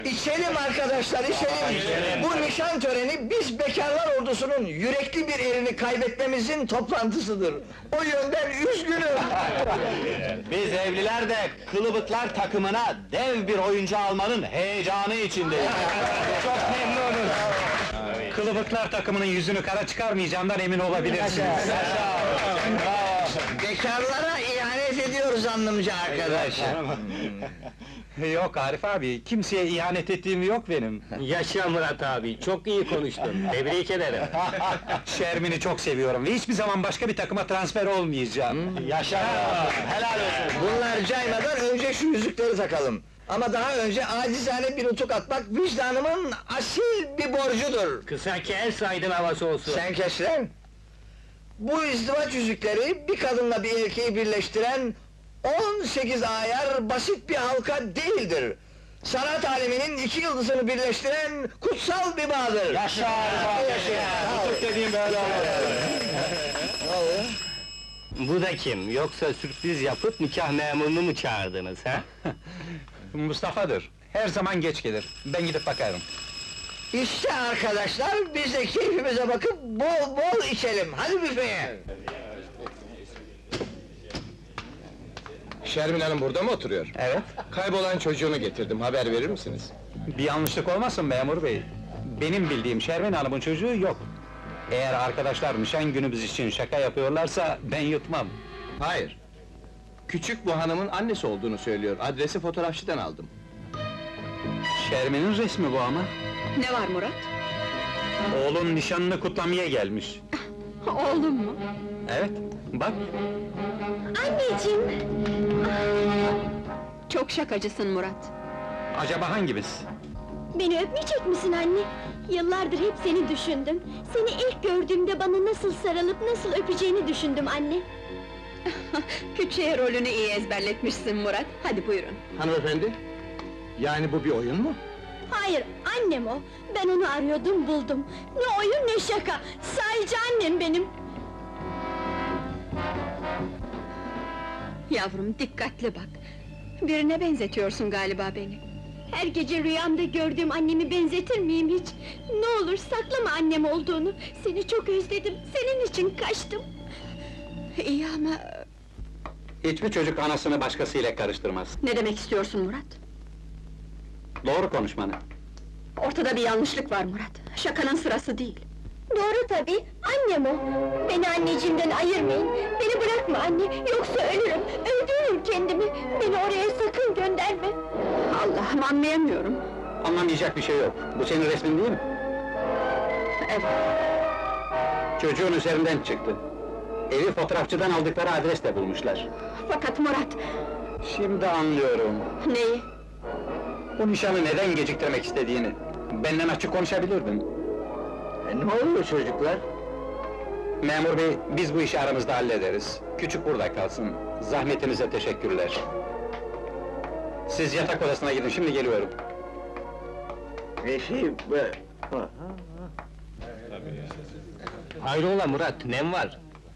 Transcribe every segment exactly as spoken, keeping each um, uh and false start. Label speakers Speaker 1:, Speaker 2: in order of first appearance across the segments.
Speaker 1: İçelim arkadaşlar, içelim! Bu nişan töreni, biz bekarlar ordusunun yürekli bir erini kaybetmemizin toplantısıdır. O yönden üzgünüm!
Speaker 2: Biz evliler de kılıbıklar takımına dev bir oyuncu almanın heyecanı içindeyiz. Çok memnunuz.
Speaker 3: Kılıbıklar takımının yüzünü kara çıkarmayacağımdan emin olabilirsiniz.
Speaker 1: Bekarlara ihanet ediyoruz anlamca arkadaş!
Speaker 3: Yok Arif abi, kimseye ihanet ettiğim yok benim.
Speaker 4: Yaşa Murat abi, çok iyi konuştun, tebrik ederim.
Speaker 3: Şermin'i çok seviyorum ve hiçbir zaman başka bir takıma transfer olmayacağım.
Speaker 2: Yaşa! Helal olsun!
Speaker 1: Bunlar caymadan önce şu yüzükleri takalım. Ama daha önce acizane bir nutuk atmak vicdanımın asil bir borcudur.
Speaker 4: Kısa kes, aydın havası olsun.
Speaker 1: Sen kes lan! Bu izdivaç yüzükleri, bir kadınla bir erkeği birleştiren on sekiz ayar basit bir halka değildir. Sanat aleminin iki yıldızını birleştiren kutsal bir bağdır.
Speaker 2: Yaşa Arif abi!
Speaker 1: Yaşa!
Speaker 2: Nutuk dediğim böyle olur.
Speaker 1: Ne oluyor?
Speaker 4: Bu da kim? Yoksa sürpriz yapıp nikah memurunu mu çağırdınız, ha?
Speaker 3: Mustafa'dır, her zaman geç gelir. Ben gidip bakarım.
Speaker 1: İşte arkadaşlar, biz de keyfimize bakıp bol bol içelim. Hadi büfeye!
Speaker 5: Şermin Hanım burada mı oturuyor?
Speaker 3: Evet.
Speaker 5: Kaybolan çocuğunu getirdim, haber verir misiniz?
Speaker 3: Bir yanlışlık olmasın memur bey. Benim bildiğim Şermin Hanım'ın çocuğu yok. Eğer arkadaşlar nişan günümüz için şaka yapıyorlarsa ben yutmam.
Speaker 5: Hayır. Küçük bu hanımın annesi olduğunu söylüyor, adresi fotoğrafçıdan aldım.
Speaker 3: Şermin'in resmi bu ama.
Speaker 6: Ne var Murat?
Speaker 3: Oğlun nişanını kutlamaya gelmiş.
Speaker 6: Oğlum mu?
Speaker 3: Evet, bak.
Speaker 6: Anneciğim! Çok şakacısın Murat.
Speaker 3: Acaba hangimiz?
Speaker 7: Beni öpmeyecek misin anne? Yıllardır hep seni düşündüm. Seni ilk gördüğümde bana nasıl sarılıp nasıl öpeceğini düşündüm anne.
Speaker 6: Küçüğe rolünü iyi ezberletmişsin Murat. Hadi buyurun.
Speaker 5: Hanımefendi, yani bu bir oyun mu?
Speaker 7: Hayır, annem o. Ben onu arıyordum, buldum. Ne oyun ne şaka. Sahici annem benim.
Speaker 6: Yavrum dikkatli bak. Birine benzetiyorsun galiba beni.
Speaker 7: Her gece rüyamda gördüğüm annemi benzetir miyim hiç? Ne olur saklama annem olduğunu. Seni çok özledim, senin için kaçtım.
Speaker 6: İyi ama...
Speaker 3: Hiçbir çocuk anasını başkasıyla karıştırmaz.
Speaker 6: Ne demek istiyorsun Murat?
Speaker 3: Doğru konuşmanı.
Speaker 6: Ortada bir yanlışlık var Murat. Şakanın sırası değil.
Speaker 7: Doğru tabii, annem o. Beni anneciğimden ayırmayın. Beni bırakma anne, yoksa ölürüm. Öldürürüm kendimi. Beni oraya sakın gönderme.
Speaker 6: Allah'ım anlayamıyorum.
Speaker 3: Anlamayacak bir şey yok. Bu senin resmin değil mi?
Speaker 6: Evet.
Speaker 3: Çocuğun üzerinden çıktı. Evi fotoğrafçıdan aldıkları adresle bulmuşlar.
Speaker 6: Fakat Murat...
Speaker 3: Şimdi anlıyorum.
Speaker 6: Neyi?
Speaker 3: Bu nişanı neden geciktirmek istediğini. Benden açık konuşabilirdin.
Speaker 1: E, ne oluyor çocuklar?
Speaker 3: Memur bey, biz bu işi aramızda hallederiz. Küçük burada kalsın. Zahmetinize teşekkürler. Siz yatak odasına gidin, şimdi geliyorum.
Speaker 1: E şey, bu...
Speaker 4: Hayrola Murat, nem var?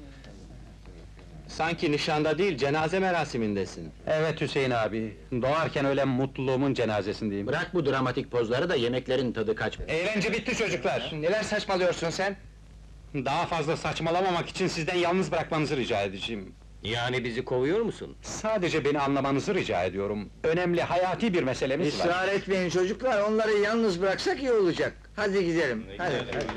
Speaker 2: Sanki nişanda değil, cenaze merasimindesin.
Speaker 3: Evet Hüseyin abi, doğarken ölen mutluluğumun cenazesindeyim.
Speaker 4: Bırak bu dramatik pozları da yemeklerin tadı kaçma.
Speaker 3: Eğlence bitti çocuklar.
Speaker 5: Neler saçmalıyorsun sen?
Speaker 3: Daha fazla saçmalamamak için sizden yalnız bırakmanızı rica edeceğim.
Speaker 4: Yani bizi kovuyor musun?
Speaker 3: Sadece beni anlamanızı rica ediyorum. Önemli, hayati bir meselemiz var.
Speaker 1: Israr etmeyin çocuklar, onları yalnız bıraksak iyi olacak. Hadi gidelim, hadi.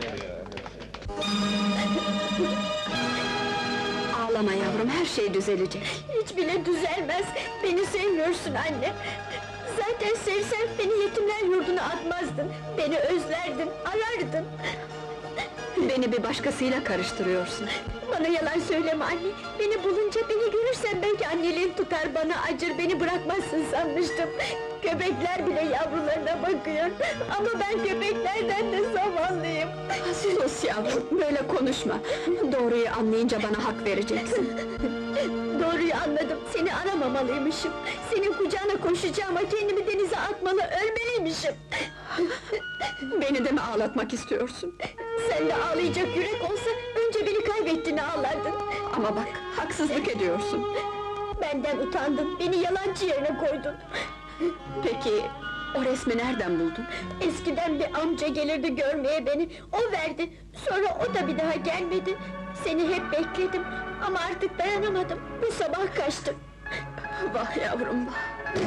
Speaker 6: Ağlama yavrum, her şey düzelecek.
Speaker 7: Hiç bile düzelmez. Beni sevmiyorsun anne. Zaten sevsen beni yetimler yurduna atmazdın. Beni özlerdin, arardın.
Speaker 6: Beni bir başkasıyla karıştırıyorsun.
Speaker 7: Bana yalan söyleme anne. Beni bulunca, beni görürsen belki anneliğin tutar, bana acır, beni bırakmazsın sanmıştım. Köpekler bile yavrularına bakıyor. Ama ben köpeklerden de zavallıyım.
Speaker 6: Sus yavrum, böyle konuşma. Doğruyu anlayınca bana hak vereceksin.
Speaker 7: Doğruyu anladım, seni aramamalıymışım. Senin kucağına koşacağıma kendimi denize atmalı, ölmeliymişim.
Speaker 6: Beni de mi ağlatmak istiyorsun?
Speaker 7: Sen de ağlayacak yürek olsa, önce beni kaybettiğini ağlardın.
Speaker 6: Ama bak, haksızlık ediyorsun.
Speaker 7: Benden utandın, beni yalancı yerine koydun.
Speaker 6: Peki, O resmi nereden buldun?
Speaker 7: Eskiden bir amca gelirdi görmeye beni, o verdi. Sonra o da bir daha gelmedi. Seni hep bekledim ama artık dayanamadım. Bu sabah kaçtım.
Speaker 6: Vah yavrum vah!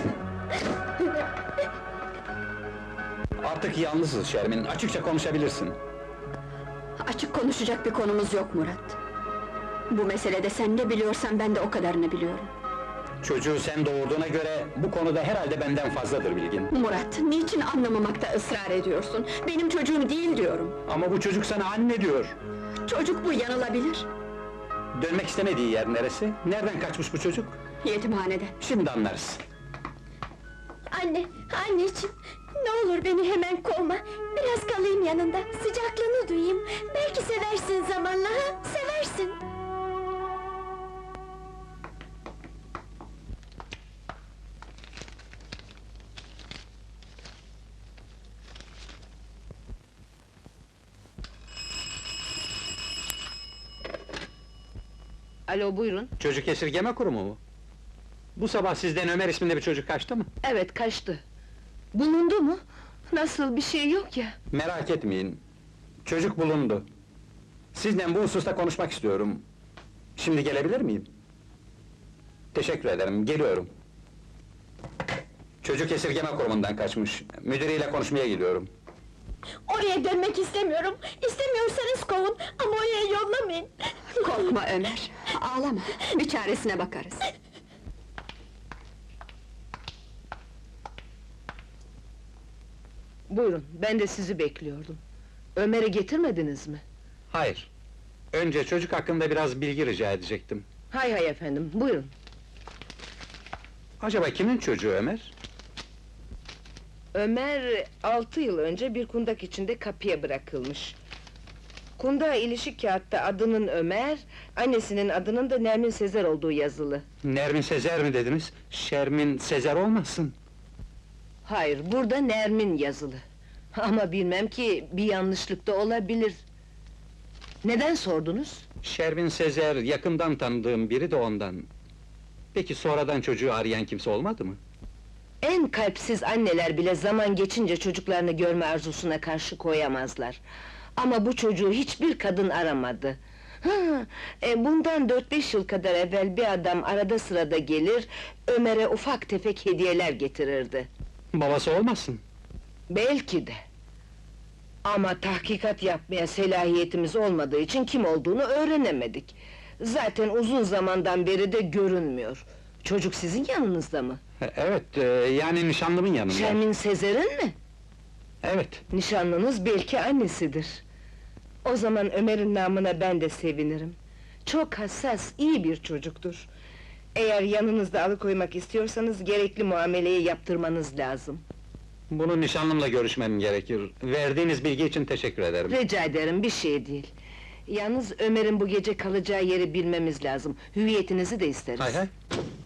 Speaker 3: Artık yalnızız Şermin, açıkça konuşabilirsin.
Speaker 6: Açık konuşacak bir konumuz yok Murat. Bu meselede sen ne biliyorsan ben de o kadarını biliyorum.
Speaker 3: Çocuğu sen doğurduğuna göre bu konuda herhalde benden fazladır bilgin.
Speaker 6: Murat, niçin anlamamakta ısrar ediyorsun? Benim çocuğum değil diyorum.
Speaker 3: Ama bu çocuk sana anne diyor.
Speaker 6: Çocuk bu, yanılabilir.
Speaker 3: Dönmek istemediği yer neresi? Nereden kaçmış bu çocuk?
Speaker 6: Yetimhaneden.
Speaker 3: Şimdi anlarız.
Speaker 7: Anne, anneciğim, ne olur beni hemen kovma. Biraz kalayım yanında, sıcaklığını duyayım. Belki seversin zamanla, ha? Seversin.
Speaker 8: Alo, buyurun.
Speaker 3: Çocuk esirgeme kurumu mu? Bu sabah sizden Ömer isminde bir çocuk kaçtı mı?
Speaker 8: Evet, kaçtı. Bulundu mu? Nasıl, bir şey yok ya.
Speaker 3: Merak etmeyin. Çocuk bulundu. Sizle bu hususta konuşmak istiyorum. Şimdi gelebilir miyim? Teşekkür ederim, geliyorum. Çocuk esirgeme kurumundan kaçmış. Müdürüyle konuşmaya gidiyorum.
Speaker 7: Oraya dönmek istemiyorum. İstemiyorsanız kovun ama oraya yollamayın.
Speaker 6: Korkma Ömer, ağlama, bir çaresine bakarız.
Speaker 8: Buyurun, ben de sizi bekliyordum. Ömer'i getirmediniz mi?
Speaker 3: Hayır. Önce çocuk hakkında biraz bilgi rica edecektim.
Speaker 8: Hay hay efendim, buyurun.
Speaker 3: Acaba kimin çocuğu Ömer?
Speaker 8: Ömer, altı yıl önce bir kundak içinde kapıya bırakılmış. Kundağa ilişik kağıtta adının Ömer, annesinin adının da Nermin Sezer olduğu yazılı.
Speaker 3: Nermin Sezer mi dediniz? Şermin Sezer olmasın?
Speaker 8: Hayır, burada Nermin yazılı. Ama bilmem ki, bir yanlışlık da olabilir. Neden sordunuz?
Speaker 3: Şermin Sezer yakından tanıdığım biri de ondan. Peki sonradan çocuğu arayan kimse olmadı mı?
Speaker 8: En kalpsiz anneler bile zaman geçince çocuklarını görme arzusuna karşı koyamazlar. Ama bu çocuğu hiçbir kadın aramadı. Ha, e, bundan dört beş yıl kadar evvel bir adam arada sırada gelir, Ömer'e ufak tefek hediyeler getirirdi.
Speaker 3: Babası olmasın?
Speaker 8: Belki de. Ama tahkikat yapmaya selahiyetimiz olmadığı için kim olduğunu öğrenemedik. Zaten uzun zamandan beri de görünmüyor. Çocuk sizin yanınızda mı?
Speaker 3: E, Evet, e, yani nişanlımın yanında.
Speaker 8: Şermin Sezer'in mi?
Speaker 3: Evet.
Speaker 8: Nişanlınız belki annesidir. O zaman Ömer'in namına ben de sevinirim. Çok hassas, iyi bir çocuktur. Eğer yanınızda alıkoymak istiyorsanız gerekli muameleyi yaptırmanız lazım.
Speaker 3: Bunu nişanlımla görüşmem gerekir. Verdiğiniz bilgi için teşekkür ederim.
Speaker 8: Rica ederim, bir şey değil. Yalnız Ömer'in bu gece kalacağı yeri bilmemiz lazım. Hüviyetinizi de isteriz.
Speaker 3: Hay hay.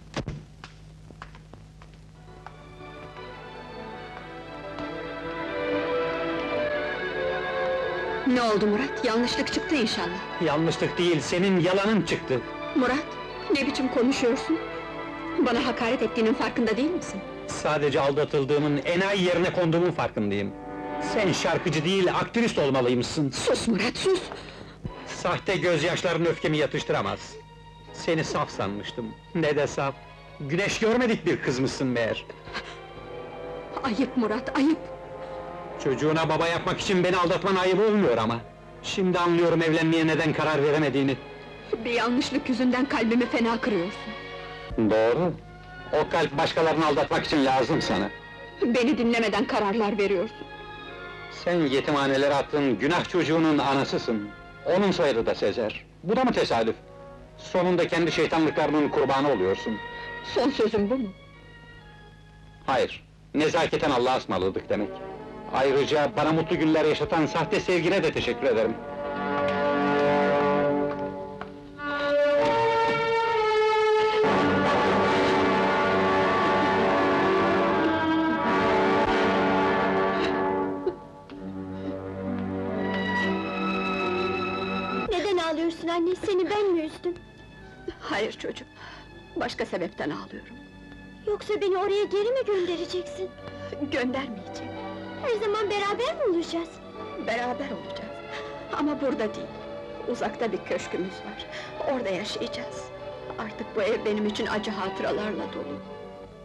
Speaker 6: Ne oldu Murat, yanlışlık çıktı inşallah.
Speaker 3: Yanlışlık değil, senin yalanın çıktı.
Speaker 6: Murat, ne biçim konuşuyorsun? Bana hakaret ettiğinin farkında değil misin?
Speaker 3: Sadece aldatıldığımın, enayi yerine konduğumun farkındayım. Sen şarkıcı değil, aktrist olmalıymışsın.
Speaker 6: Sus Murat, sus!
Speaker 3: Sahte gözyaşların öfkemi yatıştıramaz. Seni saf sanmıştım, ne de saf. Güneş görmedik bir kızmışsın meğer.
Speaker 6: Ayıp Murat, ayıp!
Speaker 3: Çocuğuna baba yapmak için beni aldatman ayıp olmuyor ama. Şimdi anlıyorum evlenmeye neden karar veremediğini.
Speaker 6: Bir yanlışlık yüzünden kalbimi fena kırıyorsun.
Speaker 3: Doğru. O kalp başkalarını aldatmak için lazım sana.
Speaker 6: Beni dinlemeden kararlar veriyorsun.
Speaker 3: Sen yetimhanelere attığın günah çocuğunun anasısın. Onun soyadı da Sezer. Bu da mı tesadüf? Sonunda kendi şeytanlıklarının kurbanı oluyorsun.
Speaker 6: Son sözüm bu mu?
Speaker 3: Hayır, nezaketen Allah'a ısmarladık demek. Ayrıca bana mutlu günler yaşatan sahte sevgine de teşekkür ederim.
Speaker 7: Neden ağlıyorsun anne? Seni ben mi üzdüm?
Speaker 6: Hayır çocuğum, başka sebepten ağlıyorum.
Speaker 7: Yoksa beni oraya geri mi göndereceksin?
Speaker 6: Göndermeyecek.
Speaker 7: Her zaman beraber mi olacağız?
Speaker 6: Beraber olacağız. Ama burada değil. Uzakta bir köşkümüz var. Orada yaşayacağız. Artık bu ev benim için acı hatıralarla dolu.